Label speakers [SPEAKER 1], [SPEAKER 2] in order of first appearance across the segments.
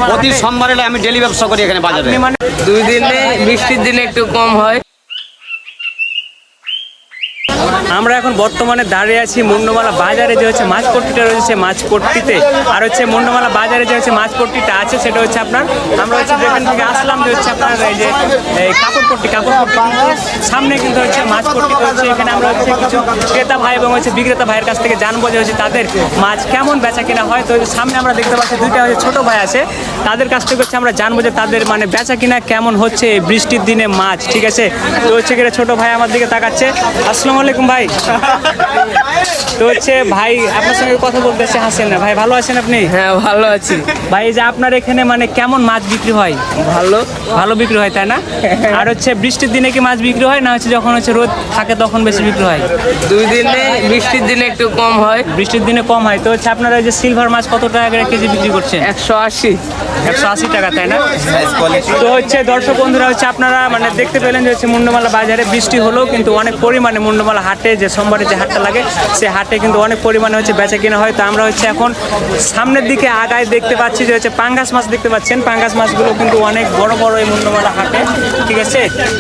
[SPEAKER 1] প্রতি সোমবারে আমি ডেলি ব্যবসা করি এখানে বাজারে।
[SPEAKER 2] মানে 2 দিনে বৃষ্টির দিনে একটু কম হয়। আমরা এখন বর্তমানে দাঁড়িয়ে আছি মুন্ডমালা বাজারে, যে হচ্ছে মাছপট্টিটা রয়েছে মাছপট্টিতে, আর হচ্ছে মুন্ডমালা বাজারে যে হচ্ছে মাছপট্টিটা আছে সেটা হচ্ছে আপনার, আমরা হচ্ছে যেখান থেকে আসলাম যে হচ্ছে আপনার এই যে কাপড়পট্টি সামনে কিন্তু হচ্ছে মাছপট্টি রয়েছে। এখানে আমরা হচ্ছে কিছু ক্রেতা ভাই এবং হচ্ছে বিক্রেতা ভাইয়ের কাছ থেকে জানবো যে হচ্ছে তাদের মাছ কেমন বেচা কিনা হয়। তো সামনে আমরা দেখতে পাচ্ছি দুইটা হচ্ছে ছোটো ভাই আছে, তাদের কাছ থেকে হচ্ছে আমরা জানবো যে তাদের মানে বেচা কিনা কেমন হচ্ছে বৃষ্টির দিনে মাছ। ঠিক আছে, তো হচ্ছে কিনা ছোটো ভাই আমার দিকে তাকাচ্ছে। আসসালামু আলাইকুম ভাই। তো হচ্ছে ভাই আপনার সঙ্গে কথা বলতেছে, হাসেন না ভাই, ভালো আছেন আপনি?
[SPEAKER 3] হ্যাঁ ভালো আছি
[SPEAKER 2] ভাই। যে আপনার এখানে মানে কেমন মাছ বিক্রি হয়? ভালো বিক্রি হয় তাই না? আর হচ্ছে বৃষ্টির দিনে কি মাছ বিক্রি হয় না হচ্ছে যখন হচ্ছে রোদ থাকে তখন বেশি বিক্রি হয়?
[SPEAKER 3] 2 দিনে বৃষ্টির দিনে একটু কম হয়।
[SPEAKER 2] বৃষ্টির দিনে কম হয়। তো হচ্ছে আপনারা যে সিলভার মাছ কত টাকা করে কেজি বিক্রি করছেন?
[SPEAKER 3] 180
[SPEAKER 2] টাকা তাই না? তো হচ্ছে দর্শক বন্ধুরা হচ্ছে আপনারা মানে দেখতে পেলেন যে হচ্ছে মুন্ডমালা বাজারে বৃষ্টি হলেও কিন্তু অনেক পরিমাণে মুন্ডমালা হাটে যে সোমবারে যে হাটটা লাগে সে হাটে কিন্তু অনেক পরিমাণে হচ্ছে বেচা কিনা হয়। তো আমরা হচ্ছে এখন সামনের দিকে আগায় দেখতে পাচ্ছি যে হচ্ছে পাঙ্গাস মাছ দেখতে পাচ্ছেন। পাঙ্গাস মাছগুলো কিন্তু অনেক বড় বড় এই মুন্ডমালা হাটে। ঠিক আছে,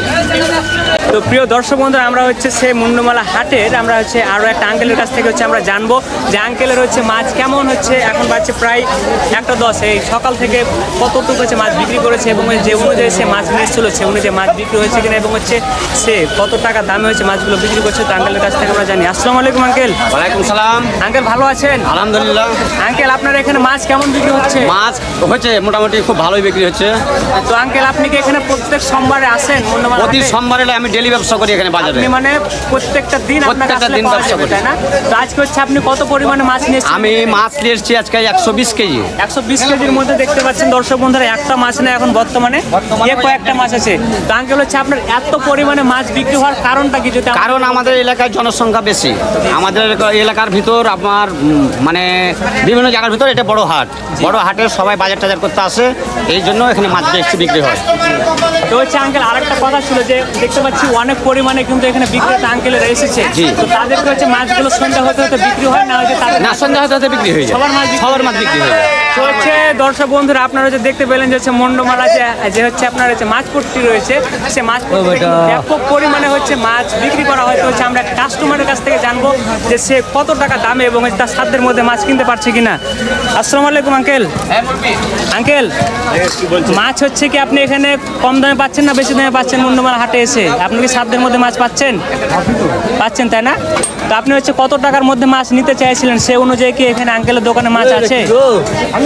[SPEAKER 2] তো প্রিয় দর্শক বন্ধুরা আমরা হচ্ছে সেই মুন্ডমালা হাটের আমরা হচ্ছে আরও একটা আঙ্কেলের কাছ থেকে হচ্ছে আমরা জানবো যে আঙ্কেলের হচ্ছে মাছ কেমন হচ্ছে। এখন বাজছে প্রায় 1:10, এই সকাল থেকে কতটুকু হচ্ছে মাছ বিক্রি করেছে এবং যে অনুযায়ী সে মাছ নিয়ে এসেছিল সে অনুযায়ী মাছ বিক্রি হয়েছে কিনা এবং হচ্ছে সে কত টাকা দামে হচ্ছে মাছগুলো বিক্রি করছে। তো আঙ্কেলের কাছ থেকে আমরা জানি। আসসালামু আলাইকুম আঙ্কেল।
[SPEAKER 1] ওয়ালাইকুম সালাম।
[SPEAKER 2] আঙ্কেল ভালো আছেন?
[SPEAKER 1] আলহামদুলিল্লাহ।
[SPEAKER 2] আঙ্কেল আপনার এখানে মাছ কেমন বিক্রি হচ্ছে?
[SPEAKER 1] মাছ হচ্ছে মোটামুটি খুব ভালোই বিক্রি হচ্ছে।
[SPEAKER 2] তো আঙ্কেল আপনি কি এখানে প্রত্যেক সোমবারে আসেন?
[SPEAKER 1] প্রতি সোমবারে আমি ডেলি ব্যবসা করি এখানে বাজারে।
[SPEAKER 2] আপনি মানে প্রত্যেকটা দিন
[SPEAKER 1] ব্যবসা করি
[SPEAKER 2] তাই না? তো আজকে হচ্ছে আপনি কত পরিমাণে মাছ নিয়েছেন?
[SPEAKER 1] আমি মাছ নিয়ে এসেছি আজকে 120 কেজি।
[SPEAKER 2] 120 কেজির মধ্যে দেখতে পাচ্ছেন দর্শক বন্ধুরা একটা মাছ না এখন বর্তমানে কয়েকটা মাছ আছে। তো আঙ্কেল হচ্ছে আপনার এত পরিমাণে মাছ বিক্রি হওয়ার কারণটা কি?
[SPEAKER 1] কারণ আমাদের এলাকায় জনসংখ্যা বেশি। আমাদের এলাকার ভিতর আপনার মানে বিভিন্ন জায়গার ভিতর এটা বড় হাট। বড় হাটে সবাই বাজার টাজার করতে আসে, এই জন্য এখানে মাছ বেশি বিক্রি হয়।
[SPEAKER 2] তো হচ্ছে আঙ্কেল আরেকটা কথা ছিল যে দেখতে পাচ্ছি অনেক পরিমাণে কিন্তু এখানে বিক্রেতা আঙ্কেলের এসেছে। তো তাদেরকে হচ্ছে মাছগুলো সন্ধ্যা হতে হতে বিক্রি হয় না হচ্ছে
[SPEAKER 1] না সন্ধ্যা হতে বিক্রি হয়ে যায়। সবার মাছ বিক্রি হয়ে যায়।
[SPEAKER 2] তো হচ্ছে দর্শক বন্ধুরা আপনারা যে দেখতে পেলেন যে হচ্ছে মুন্ডমালা যে হচ্ছে আপনার হচ্ছে মাছপট্টি রয়েছে, সে মাছপট্টি ব্যাপক পরিমাণে হচ্ছে মাছ বিক্রি করা হয়। তো হচ্ছে আমরা কাস্টমারের কাছ থেকে জানবো যে সে কত টাকা দামে এবং তার সাধ্যের মধ্যে মাছ কিনতে পারছে কিনা। আসসালামু আলাইকুম আঙ্কেল। আঙ্কেল মাছ হচ্ছে কি আপনি এখানে কম দামে পাচ্ছেন না বেশি দামে পাচ্ছেন? মুন্ডমালা হাটে এসে আপনি কি সাধ্যের মধ্যে মাছ পাচ্ছেন? তাই না? তো আপনি হচ্ছে কত টাকার মধ্যে মাছ নিতে চাইছিলেন সে অনুযায়ী কি এখানে আঙ্কেলের দোকানে মাছ আছে? আমি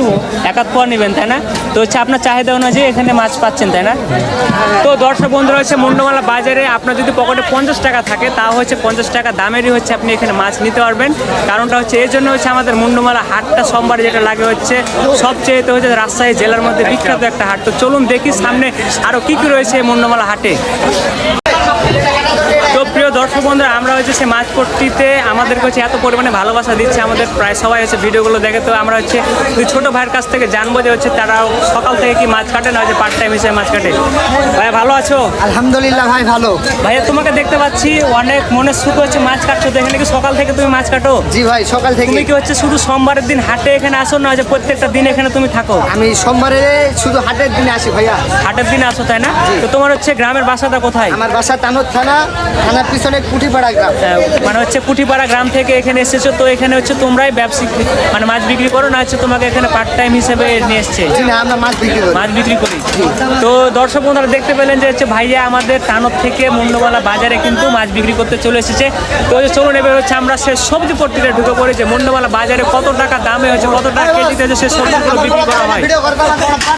[SPEAKER 2] 1 পোয়া নেবেন তাই না? তো হচ্ছে আপনার চাহিদা অনুযায়ী এখানে মাছ পাচ্ছেন তাই না? তো দর্শক বন্ধুরা হচ্ছে মুন্ডমালা বাজারে আপনার যদি পকেটে 50 টাকা থাকে তাও হচ্ছে 50 টাকা দামেরই হচ্ছে আপনি এখানে মাছ নিতে পারবেন। কারণটা হচ্ছে এই জন্য হচ্ছে আমাদের মুন্ডমালা হাটটা সোমবারে যেটা লাগে হচ্ছে সবচেয়ে হচ্ছে রাজশাহী জেলার মধ্যে বিখ্যাত একটা হাট। তো চলুন দেখি সামনে আরও কী কী রয়েছে এই মুন্ডমালা হাটে। তো প্রিয় দর্শক বন্ধুরা আমরা হচ্ছে সে মাছপট্টিতে আমাদেরকে হচ্ছে এত পরিমাণে ভালোবাসা দিচ্ছে, আমাদের প্রায় সবাই হচ্ছে ভিডিওগুলো দেখে। তো আমরা হচ্ছে ছোটো ভাইয়ের কাছ থেকে জানবো যে হচ্ছে তারাও সকাল থেকে কি মাছ কাটে না হচ্ছে পার্ট টাইম হিসেবে মাছ কাটে। ভাই ভালো আছো?
[SPEAKER 4] আলহামদুলিল্লাহ ভাই ভালো।
[SPEAKER 2] ভাইয়া তোমাকে দেখতে পাচ্ছি অনেক মনের সুখ হচ্ছে মাছ কাটছো, তো এখানে কি সকাল থেকে তুমি মাছ কাটো?
[SPEAKER 4] জি ভাই সকাল থেকে।
[SPEAKER 2] তুমি কি হচ্ছে শুধু সোমবারের দিন হাটে এখানে আসো না যে প্রত্যেকটা দিন এখানে তুমি থাকো?
[SPEAKER 4] আমি সোমবারে শুধু হাটের দিনে আসি ভাইয়া।
[SPEAKER 2] হাটের দিনে আসো তাই না? তো তোমার হচ্ছে গ্রামের বাসাটা কোথায়?
[SPEAKER 4] আমার বাসা তানোর থানার পিছনে কুঠিপাড়া গ্রাম।
[SPEAKER 2] মানে হচ্ছে কুঠিপাড়া গ্রাম থেকে এখানে এসেছো। তো এখানে হচ্ছে তোমরাই ব্যবসায়িক মানে মাছ বিক্রি করো না হচ্ছে তোমাকে এখানে পার্ট টাইম হিসেবে নিয়ে এসছে?
[SPEAKER 4] আমরা মাছ বিক্রি করি।
[SPEAKER 2] তো দর্শক বন্ধুরা দেখতে পেলেন যে হচ্ছে ভাইয়া আমাদের তানোর থেকে মুন্ডমালা বাজারে কিন্তু মাছ বিক্রি করতে চলে এসেছে। তো চলুন এবার হচ্ছে আমরা সে সবজি পট্টিতে ঢুকে পড়ি যে মুন্ডমালা বাজারে কত টাকা দামে হচ্ছে কত টাকা কেজিতে সে সবজিগুলো বিক্রি করা হয়।